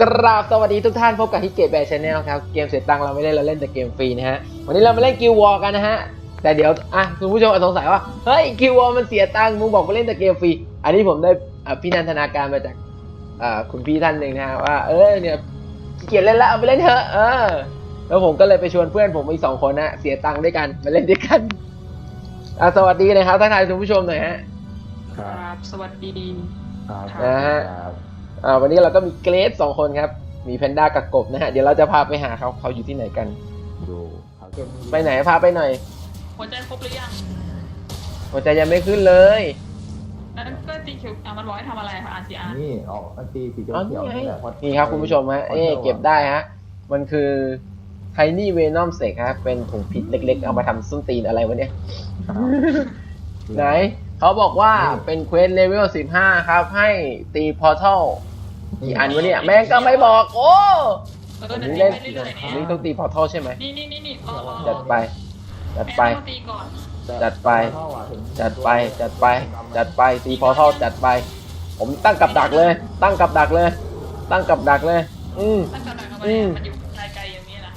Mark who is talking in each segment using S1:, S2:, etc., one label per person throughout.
S1: กราบสวัสดีทุกท่านพบกับฮิเกตแบร์ชาแนลครับเกมเสียตังค์เราไม่เล่นเราเล่นแต่เกมฟรีนะฮะวันนี้เรามาเล่นกิลวอร์กันนะฮะแต่เดี๋ยวคุณผู้ชมอาจสงสัยว่าเฮ้ยกิลวอร์มันเสียตังค์มึงบอกมาเล่นแต่เกมฟรีอันนี้ผมได้พี่นันทนาการมาจากคุณพี่ท่านหนึ่งนะฮะว่าเนี่ยขี้เกียจเล่นแล้วเอาไปเล่นเถอะแล้วผมก็เลยไปชวนเพื่อนผมอีก2 คนนะเสียตังค์ด้วยกันมาเล่นด้วยกันสวัสดีนะครับทักทายคุณผู้ชมหน่อยฮะ
S2: ครับสวัสดี
S1: นะฮะวันนี้เราก็มีเกรซ2 คนครับมีแพนด้ากับกบนะฮะเดี๋ยวเราจะพาไปหาเขาอยู่ที่ไหนกันไปไหนพาไปหน่อย
S2: หัวใจครบหรือยัง
S1: หัวใจยังไม่ขึ้นเลย
S2: นั่นก็ตีเขียวมันบอกให้ทำอะไรคะ RCR
S3: นี่ออกตีสีเขียว
S1: นี่ครับคุณผู้ชมฮะเก็บได้ฮะมันคือไทนี่เวนอมเสกฮะเป็นถุงพิษเล็กๆเอามาทำส้นตีนอะไรวะเนี่ยไหนเขาบอกว่าเป็นเควสเลเวล15ครับให้ตีพอร์ทัลกี่อันวะเนี่ยแม่งก็ไม่บอกโอ้นี่เล่นนี่ต้องตีพอร์ทัลใช่ไหม
S2: นี่
S1: จัดไปจัดไปจัดไปจัดไปจัดไปจัดไปตีพอร์ทัลจัดไปผมตั้งกับดักเลยตั้งกับดักเลยตั้งกับดักเลย
S2: ตั้งกับดักเอาไว้มันอยู่ไกลๆอย่างนี้นะ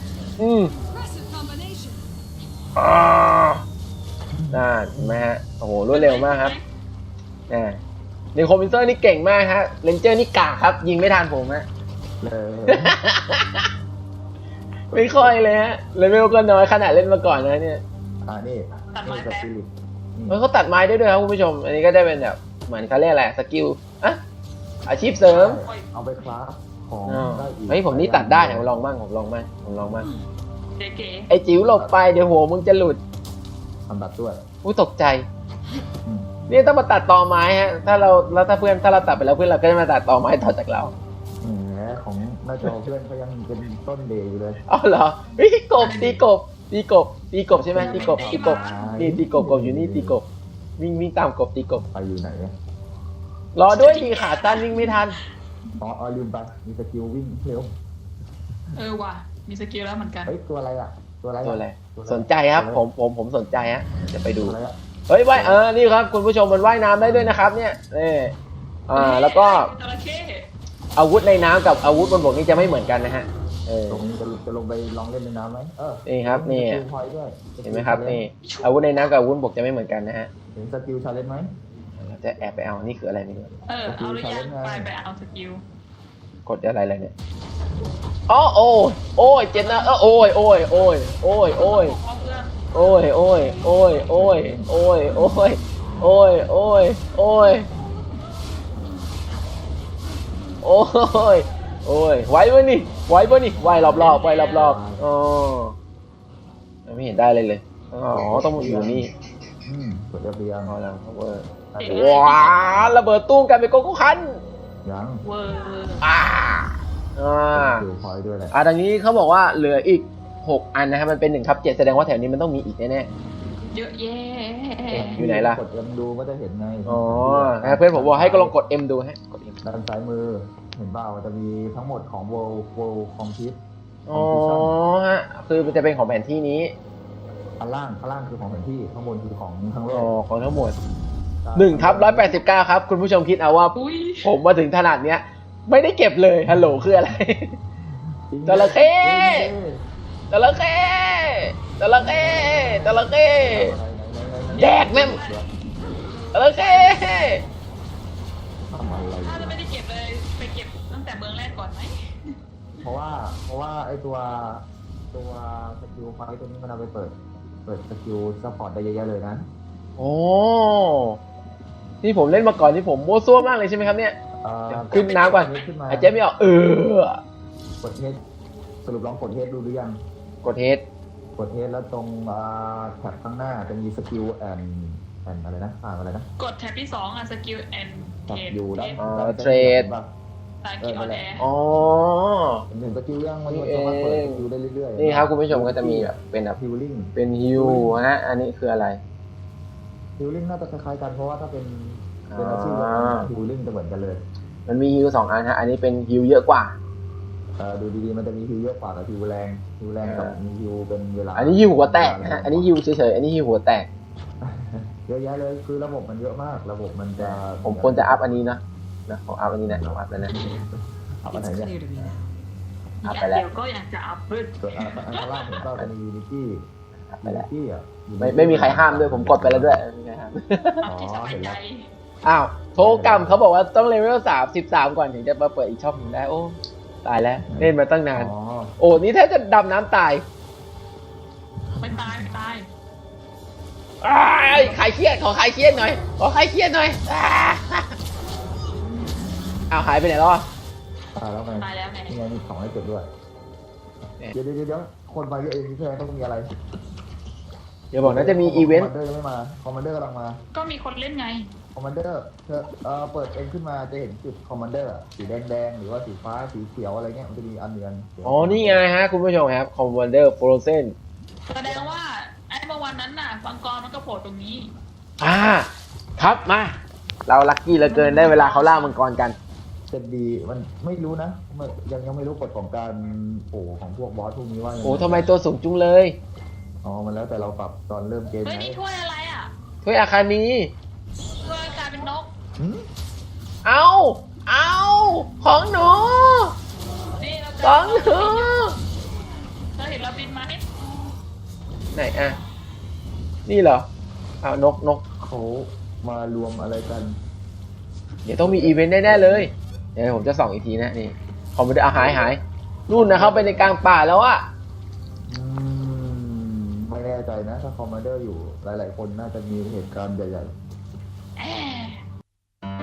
S1: น่าเห็นไหมฮะโอ้โหรวดเร็วมากครับในคอมพิวเตอร์นี่เก่งมากฮะเรนเจอร์นี่กากครับยิงไม่ทันผมฮะไม่ค่อยเลยฮะเลเวลก็น้อยขนาดเล่นมาก่อนนะเนี่ย
S3: นี่
S2: ตัดไม้แป๊บ
S1: เขาตัดไม้ได้ด้วยครับคุณผู้ชมอันนี้ก็ได้เป็นแบบเหมือนเขาเรียกอะไรสกิลอาชีพเสริม
S3: เอาไปคราฟของ
S1: ได้อีกเฮ้ยผมนี่ตัดได้ผมลองบ้างไอจิ๋วหลบไปเดี๋ยวหัวมึงจะหลุด
S3: ทำตัดด้วย
S1: ตกใจนี่ต้องมาตัดตอไม้ฮะถ้าเราตัดไปแล้วเพื่อนเราก็จะมาตัดตอไม้ต่อจากเรา
S3: ของน่าจะเพื่อนเขายังเป็นต้นเดย์อยู่เลย
S1: อ๋อเหรอกบตีกบใช่ไหมตีกบนี่ตีกบอยู่นี่ตีกบวิ่งตามกบตีกบ
S3: ไปอยู่ไหน
S1: รอด้วยดีขาสั้นวิ่งไม่ทัน
S3: ลืมไปมีสกิลวิ่งเร็ว
S2: ว่ะมีสกิลแล้วเหมือนกัน
S3: เฮ้ยตัวอะไร
S1: สนใจครับผมสนใจฮะจะไปดูเฮ้ยว่ายนี่ครับคุณผู้ชมมันว่ายน้ำได้ด้วยนะครับเนี่ยแล้วก็อาวุธในน้ำกับอาวุธบนบกนี่จะไม่เหมือนกันนะฮะ
S3: ตรงนี้จะลงไปลองเล่นในน้ำไหม
S1: นี่ครับนี่เห็นไหมครับนี่อาวุธในน้ำกับอาวุธบกจะไม่เหมือนกันนะฮะ
S3: เห็นสกิลชาเลนจ์ไหม
S1: จะแอบไปเอานี่คืออะไรไม่รู้
S2: เอาหรือยังไปเอาสกิล
S1: กดอะไรเนี่ยโอ้ยเจ็บนะโอ้ยไหวปะนี่ไหวรอบอ๋อไม่เห็นได้เลยต้องอยู่นี่
S3: กดเรียง
S1: แล้วว้าระเบิดตู้มกันเป็นโกโก้คัน
S3: ยัง
S1: ทางนี้เขาบอกว่าเหลืออีก6 อันนะครับมันเป็น1/7แสดงว่าแถวนี้มันต้องมีอีกแน่
S2: ๆเยอะแยะ
S1: อยู่ไหนล่ะ
S3: กด M ดูก็จะเห็นไง
S1: เพื่อนผมบอกให้ก็ลองกด M ดูฮะกด M
S3: ด้านซ้ายมือเห็นเปล่าจะมีทั้งหมดของ World Compete
S1: ฮะคือมันจะเป็นของแผนที่นี้
S3: ข้างล่างคือของแผนที่ข้างบนคือของทั้งโลก
S1: ของทั้งหมด1/189ครับคุณผู้ชมคิดเอาว่าผมมาถึงขนาดเนี้ยไม่ได้เก็บเลยฮัลโหลคืออะไรจระเข้แดกแม่งจระเข้
S2: ถ้าจะไม่ได้เก็บเลยไปเก็บตั้งแต่เมืองแรกก่อนไหม
S3: เพราะว่าไอตัวสกิลไฟตัวนี้มันเอาไปเปิดสกิลซัพพอร์ตได้เยอะๆเลยนะ
S1: นี่ผมเล่นมาก่อนที่ผมโม้ซั่วมากเลยใช่ไหมครับเนี่ยขึ้นน้ำก่อนหายใจไม่ออก
S3: กดเฮดสรุปลองกดเฮดดูหรือยัง
S1: กดเฮด
S3: แล้วตรงแท็บข้างหน้าจะมีสกิลแอนอะไรนะอะไรนะ
S2: กดแท็บที่2สกิลแอน
S3: เทรดอยู่ด้าน
S1: เทรด
S3: หนึ่งสกิลยังมันสามารถเปิดสกิลได้เรื่อย
S1: ๆนี่ครับคุณผู้ชมก็จะมีแบบเป็นแบบฮิลฮะอันนี้คืออะไร
S3: ฮิลลิ่งน่าจะคล้ายๆกันเพราะว่าถ้าเป็นอาชีพฮิลลิ่งจะเหมือนกันเลย
S1: มันมีฮิล2 อันฮะอันนี้เป็นฮิลเยอะกว่า
S3: ดูดีๆมันจะมีฮิลเยอะกว่ากับฮิลแรงกับมีฮิลเป็นเวลา
S1: อันนี้ฮิลหัวแตกนะฮะอันนี้ฮิลเฉยๆอันนี้ฮิลหัวแตก
S3: เยอะแยะเลยคือระบบมันเยอะมากระบบมันจะ
S1: ผมควรจะอัพอันนี้นะผมอัพอันนี้นะผมอัพแล้วนะ
S3: อัพอันไหน
S4: It's
S3: เนี่ย
S4: clear to me now.
S1: อัพ
S2: อ
S1: ไป
S2: ย่าง
S1: แล้ว
S2: เดียวก็อยากจะอัพพึ่ง
S3: ส่วนอันข้างล่างผมก็เป็นยูนิตี้
S1: อัพไป
S3: ยูนิ
S1: แล้ว
S3: ตี้อ่ะ
S1: ไม่มีใครห้ามด้วยผมกดไปแล้วด้วยไม่มีใครห้าม
S2: อัพที่สบายใจ
S1: อ้าวโทรกรรมเขาบอกว่าต้องเลเวล33ก่อนถึงจะมาเปิดอีกช่องหนึงได้โอ้ตายแล้วเล่นมาตั้งนาน
S3: อ๋อ
S1: โอ้นี่แทบจะดำน้ำตาย
S2: ไม่ตายไม่ตาย
S1: อ้ายคลายเครียดขอคลายเครียดหน่อยขอคลายเครียดหน่อยอ้าวหายไปไหนแล้วอ่ะ
S3: ตายแล้วไง
S2: ตายแล้วไง
S3: นี่ไงมีของให้เก็บด้วย
S1: เนี่ย
S3: เดี๋ยวคนมาเยอะเองที่แท้ต้องมีอะไร
S1: เดี๋ยวบอกนะจะมีอีเวนต์
S3: คอมมานเดอร์ยังไม่มาคอมมานเดอร์กำลังมา
S2: ก็มีคนเล่นไง
S3: คอมมานเดอร์เธอเปิดเองขึ้นมาจะเห็นจุดคอมมานเดอร์สีแดงหรือว่าสีฟ้าสีเขียวอะไรเงี้ยมันจะมีอันเดือน
S1: อ๋อนี่ไงฮะคุณผู้ชมครับคอมมานเดอร์โฟรเซน
S2: แสดงว่าไอ้เมื่อวันนั้นน่ะฟังกรมันก็โผล่ตรงนี้
S1: ครับมาเราลัคกี้เหลือเกินได้เวลาเขาล่ามังกรกัน
S3: จะดีมันไม่รู้นะยังไม่รู้กฎของการโอ้ของพวกบอสพวกนี้ว่ายังง
S1: โอ้ทำไมตัวสูงจุงเลย
S3: อ๋อมันแล้วแต่เราปรับตอนเริ่มเกม
S2: เฮ้ย
S3: ไง
S2: นี่ถ้วยอะไรอ่ะ
S1: ถ้วยอาคานี
S2: ถ้วยกลายเป็นนก
S3: หืม
S1: เอาของหนู
S2: นี่เรา
S1: ของหนู
S2: เธอเห็นเราบินไหม
S1: ไหนอ่ะนี่เหรอเอานก
S3: เขามารวมอะไรกัน
S1: เดี๋ยวต้องมีอีเวนต์แน่ๆเลยเดี๋ยวผมจะส่องอีกทีนะนี่คอมมานเดอร์หายนู่นนะเข้าไปในกลางป่าแล้วอะ
S3: ไม่แน่ใจนะถ้าคอมมานเดอร์อยู่หลายๆคนน่าจะมีเหตุการณ์ใหญ่
S2: แอะ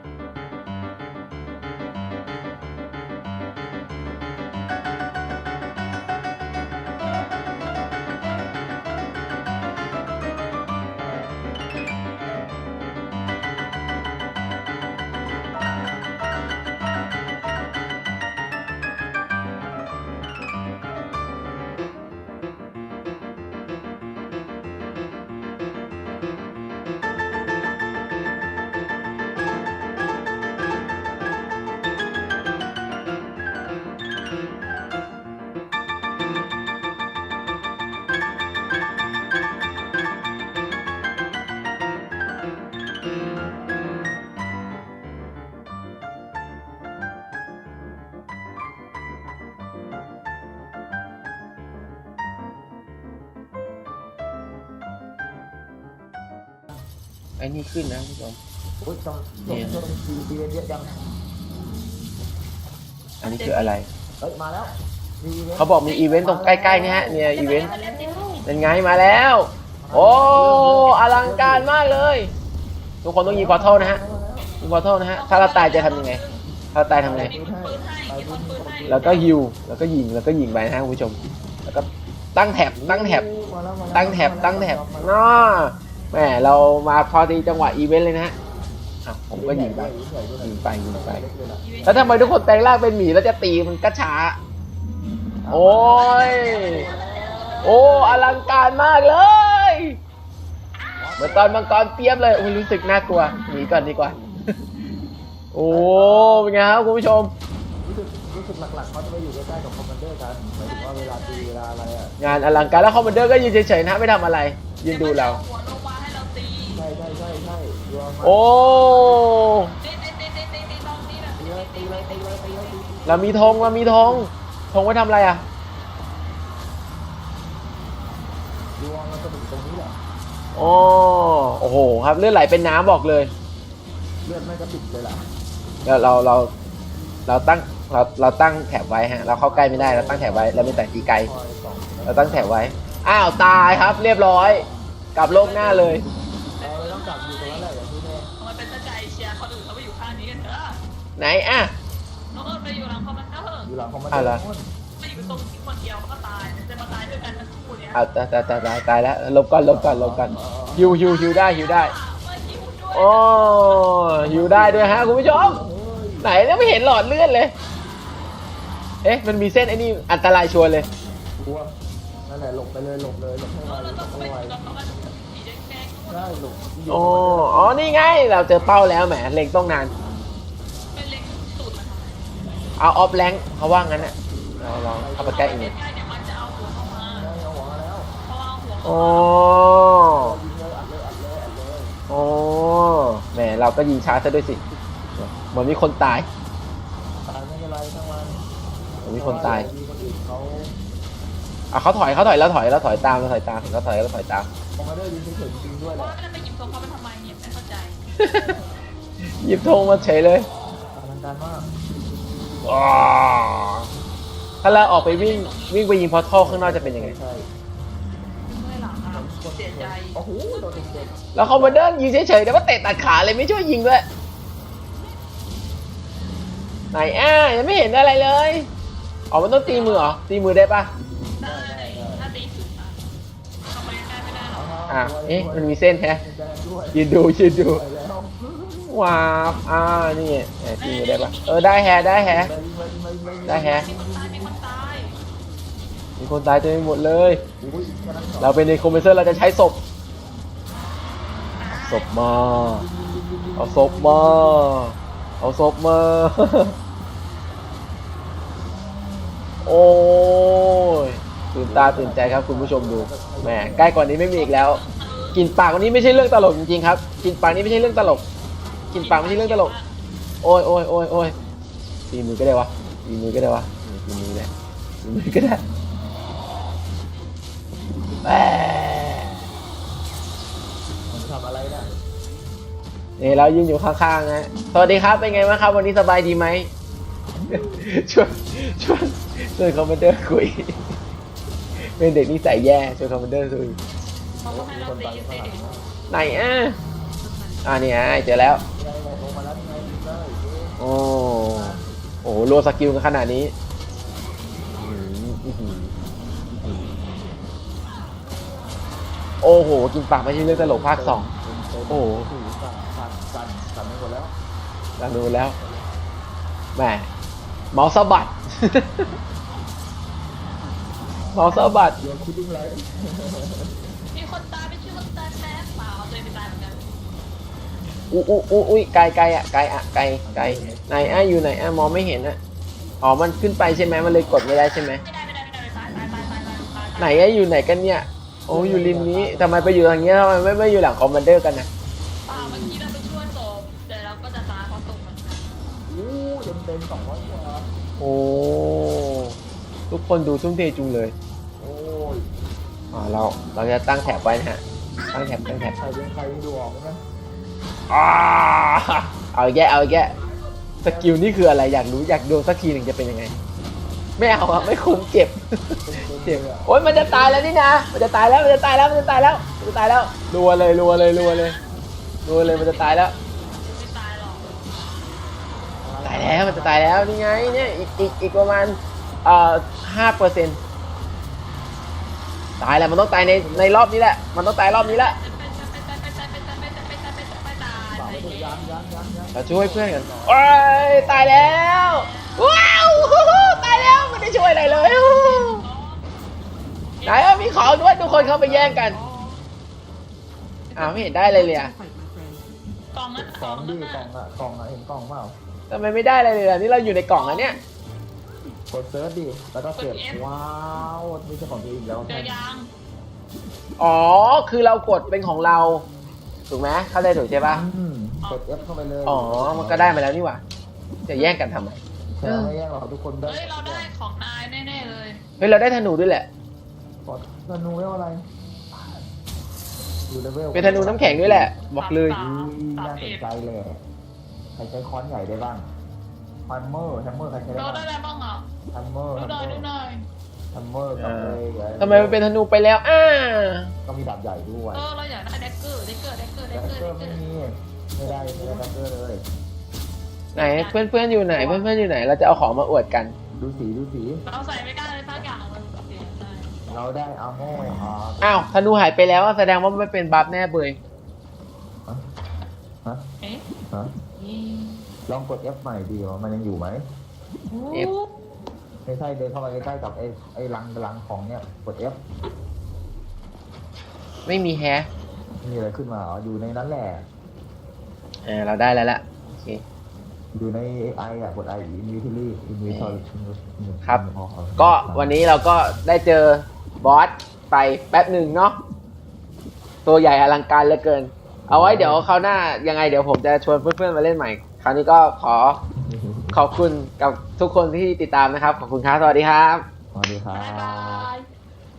S1: ไอ้นี่ขึ้นนะคุณผู้ชม
S3: ๆโอ้ยต้องทีเยอะจัง
S1: อันนี้คืออะไร
S3: เฮ้ยมาแล้วมีอีวนต์
S1: เขาบอกมีอีเวนต์ตรงใกล้ๆนี่ฮะเนี่ยอีเวนต์เป็นไงมาแล้ว โอ้อลังการมากเลย ทุกคนต้องยิงพอร์ทัลนะฮะยิงพอร์ทัลนะฮะถ้าเราตายจะทำยังไงถ้าเราตายทำไง
S2: มีคนปืนให้มีคนปืนให้
S1: แล้วก็ฮิวแล้วก็ยิงไปนะฮะคุณผู้ชม แล้วก็ตั้งแถบตั้งแถบน่าแหมเรามาพอดีจังหวะอีเวนต์เลยนะฮะอ่ะผมก็ยิงไปแล้วทำไมทุกคนแปลงร่างเป็นหมีแล้วจะตีมันก็ช้า โอ้ยโอ้อลังการมากเลยเหมือนตอนมังกรเปียบเลยโอ้ยรู้สึกน่ากลัวหนีก่อนดีกว่า โอ้เป็นไงครับคุณผู้ชม
S3: รู้สึกหลักๆเขาจะไปอยู่ใกล้ๆกับคอมมานเดอร์กันหมายถึงว่าเวลาตีเวลาอะไรอ่ะ
S1: งานอลังการแล้วคอมมานเดอร์ก็ยืนเฉยๆนะไม่ทำอะไรยืนดูเรา
S2: หัวลงมาให้เราตี
S3: ใช่รวมมา
S1: โอ้
S2: ตีตรงนี้นะ
S3: ตีเลย
S1: เรามีธงธงไว้ทำอะไรอ่ะ
S3: รวมมันจะถึงตรงนี้แหละ
S1: โอ้โหครับเลือดไหลเป็นน้ำบอกเลย
S3: เลือดไม่กระติกเลยล่ะ
S1: เราตั้งแถบไว้ฮะเราเข้าใกล้ไม่ได้เราตั้งแถบไว้เราไม่แต่ตีไกล
S3: คอยส่อง
S1: เราตั้งแถบไว้อ้าวตายครับเรียบร้อยกลับโลกหน้าเลย
S3: เราต้องกลับอยู่ตรงนั้นแหละอย่างที่แน่
S2: มันเป็นตะใจเชียร์คนอื่นเขาไปอยู่ข้างนี้กันเถอะ
S1: ไหนอ่ะ
S2: น้องเอิญไปอยู่หลังคอมมานเดอร์
S3: อยู่หลังคอมมานเด
S1: อ่ะ
S3: อ
S1: เหรอ
S3: ร์นู่น
S2: ไปอยู่ตรงที่คนเดียวเขาก็ตายจะมาตายด้วยกันทั้งคู่เนี่ย
S1: อ้าวตายแล้วลบก่อนฮิวได้
S2: มาหิวด้วย
S1: โอ้ฮิวได้ด้วยฮะคุณผู้ชม
S3: เฮ้ย
S1: ไหนแล้วไม่เห็นหลอดเลือดเลย เอ๊ะมันมีเส้นไอ้นี่อันตรายชัวร์เลย
S3: กลัวนั่นแหละหลบให้ไวหลบ
S2: เรา
S3: ให้
S2: ต้องไป
S3: ไว
S2: กับมันสีแดงๆ
S3: ใช่หลบ
S1: อ๋อนี่ไงเราเจอเป้าแล้วแหมเล็งต้องนาน
S2: เป็นเล็งตูดมันทำไม
S1: เอาออฟแรงเขาว่างั้นน่ะเราลองเข้าไปใกล้อีกนิด
S2: ใกล้เนี่ยมันจะเอาหัวเข้ามา
S3: ได้เอาหัวมาแล้ว
S2: เพราะว่าเอาหัว
S1: โอ้
S3: ยิงเลยอัดเลย
S1: โอ้แหมเราก็ยิงช้าซะด้วยสิเหมือนมีคนตาย
S3: ตายไม่เป็นไร
S1: มีคนตาย
S3: มีคนอื่นเขา
S1: อ่ะเขาถอยแล้วถอยตามเขาถอยตาม
S3: คอมมานเดอร์ยืนเฉยๆจริงๆด้วยแห
S2: ว่า
S3: ละ
S2: จะไปหยิบโซฟาไปทำไมเนี่ยไม่เข้าใจ
S1: หยิบธงมาเฉยเลย
S3: อลังการมาก
S1: อ๋อถ้าเราออกไปวิ่งไปยิงพอร์ทัลข้างนอกจะเป็นยังไง
S3: ใช่
S2: เมื่อยหลังอ่ะเสียใจ
S3: โอ้โหโดนเด็ก
S1: แล้วคอมมานเดอร์ยิงเฉยๆแต่ว่าเตะตัดขาเลยไม่ช่วยยิงด้วยไหนยังไม่เห็นอะไรเลยอ๋อมันต้องตีมือเหรอตีมือได้ปะ
S2: ได้ถ้าตีถึงอ่ะทำไมได้ไม่ได้หรอ
S1: อ่ะมันมีเส้นแฮะ
S3: แดงด้วย
S1: ยืนดู
S3: ไปแล้ว
S1: ว้าวนี่ตีมือได้ปะได้แฮะได้แฮะ ได้แฮะ
S2: มีคนตายมีคนตาย
S1: มีคนตายเต็มไปหมดเลย
S3: อุ้ยกำลัง
S1: เราเป็นในคอมเพรสเซอร์เราจะใช้ศพมาเอาศพมา โอ้ยตื่นตาตื่นใจครับคุณผู้ชมดูแหมใกล้กว่านี้ไม่มีอีกแล้วกลิ่นปากวันนี้ไม่ใช่เรื่องตลกจริงๆครับกลิ่นปากนี้ไม่ใช่เรื่องตลกกลิ่นปากไม่ใช่เรื่องตลกโอ้ยตีมือก็ได้วะตีมือก็ได้แหละตีมือก็ได้แหม
S3: มันทำอะไรนะ
S1: นี่เรายืนอยู่ข้างๆนะสวัสดีครับเป็นไงบ้างครับวันนี้สบายดีไหม ชวนคอมมานเดอร์คุย เป็นเด็กนิสัยแย่ชวนคอมมานเดอร์คุย
S2: เขาก็ให้เราตีตี
S1: ไหนเนี่ยเจอแล้ว
S3: ไงลงมาแล้วไงได้
S1: โอ้โหรัวสกิลกันขนาดนี้โอ้โหกินปากไม่ใช่เรื่องตลกภาค2โอ้โห
S3: สั่นไปหมดแล้ว
S1: เราดูแล้วแหมเมาส์สะบัด เมาส์สะบัด
S3: เดี๋ยวคิดยังไง
S2: มีคนตายไม่ชื่อคนตายแป๊บเปล่าตัวเองไปตายเหมือนกัน
S1: อุ้ยไกลไหนอยู่ไหนมองไม่เห็นอ๋อมันขึ้นไปใช่ไหมมันเลยกดไม่ได้ใช่ไหม
S2: ไม่ได้ตาย
S1: ไหนอยู่ไหนกันเนี่ยโอ้อยู่ริมนี้ทำไมไปอยู่ทางนี้ทำไมไม่อยู่หลังคอมมานเดอร์กันนะ
S2: เปล่าเมื่อกี้เราไปช่วยศพแต่เราก็จะตายเพราะตกเหมือนกัน
S3: เต็ม200กว่า
S1: โอ้ทุกคนดูทุ่มเทจุงเลย
S3: โอ้ย
S1: เราจะตั้งแถบไว้นะฮะตั้งแถบ
S3: ใครเป็นใครดูออกไหม
S1: เอาแย่สกิลนี่คืออะไรอยากรู้อยากดูสักทีหนึ่งจะเป็นยังไงไม่เอาอะไม่คุ้มเจ็บโอ๊ยมันจะตายแล้วนี่นะมันจะตายแล้วรัวเลยมันจะตายแล้ว
S2: ไม่ตายหรอก
S1: ตายแล้วมันจะตายแล้วนี่ไงเนี่ยอีกประมาณ5%ตายแล้วมันต้องตายในรอบนี้แหละมันต้องตายรอบนี้แหละเราช่วยเพื่อนกันโอ้ยตายแล้วว้าวตายแล้วไม่ได้ช่วยอะไรเลยไหนมีของด้วยทุกคนเข้าไปแย่งกันไม่เห็นได้เลยเลยอะ
S2: กล่องนั้น
S3: กล่องดิกล่องอะเห็นกล่องเปล่า
S1: ทำไมไม่ได้อะไรเลยล่ะนี่เราอยู่ในกล่องอันเนี้ย
S3: กดเซิร์ชดิแล้วก็เก็บว้าวมีเจ้าของตัวเองแล้ว
S2: เจอยาง
S1: อ๋อคือเรากดเป็นของเราถูกไหมเข้าใจถูกใช่ปะ
S3: กด F เข้าไปเลย
S1: อ๋อมันก็ได้มาแล้วนี่หว่าจะแย่งกันทำไม
S3: ไม่แย่งหรอกทุกคนได้
S2: เฮ้ยเราได้ของนายแน่ๆเลย
S1: เฮ้ยเราได้ธนูด้วยแหละ
S3: กดธนูเรียกว่าอะไรอยู่เลเวล
S1: เป็นธนูน้ำแข็งด้วยแหละบอกเลย
S3: น่าสนใจเลยใครใช้ค้อนใหญ่ได้บ้างแฮมเมอร์ใครใช้ได้
S2: เรา
S3: บ้าง
S2: ได้อะไรบ้างอ่ะ
S3: แฮมเมอร์
S2: ดูหน่อย
S3: แฮมเมอร์กับเลย
S1: ทำไมมันเป็นธนูไปแล้ว
S3: ก็มีดาบใหญ่ด้วย
S2: เราอยากได้แดกเกอร์
S3: แดกเกอร์ไม่ได้แดกเกอร์เลย
S1: ไหนเพื่อนๆอยู่ไหนเพื่อนๆอยู่ไหนเราจะเอาของมาอวดกัน
S3: ดูสี
S2: เราใส่ไม่ได้เลยสักอย่างเลยเสียใจ
S3: เราได้อาโม่
S1: อ้าวธนูหายไปแล้วแสดงว่าไม่เป็นบัฟแน่เบย
S3: ฮะ
S2: เอ๊ะ
S3: ฮะลองกด F ใหม่ดีว่ามันยังอยู่ไหม
S1: F
S3: ไม่ใช่เดินเข้ามาใกล้ๆกับไอ้รังของเนี่ยกด F
S1: ไม่มีแฮะ
S3: มีอะไรขึ้นมาอยู่ในนั้นแหละ
S1: เราได้แล้วล่ะโอเค
S3: อยู่ในไอกด I inventory inventory
S1: ครับก็วันนี้เราก็ได้เจอบอสไปแป๊บหนึ่งเนาะตัวใหญ่อลังการเหลือเกิน เอาไว้เดี๋ยวคราวหน้ายังไงเดี๋ยวผมจะชวนเพื่อนๆมาเล่นใหม่คราวนี้ก็ขขอบคุณกับทุกคนที่ติดตามนะครับ ขอบคุณครับ สวัสดีครับ
S3: สวัสดีครั
S2: บ๊ายบา
S3: บ
S2: ย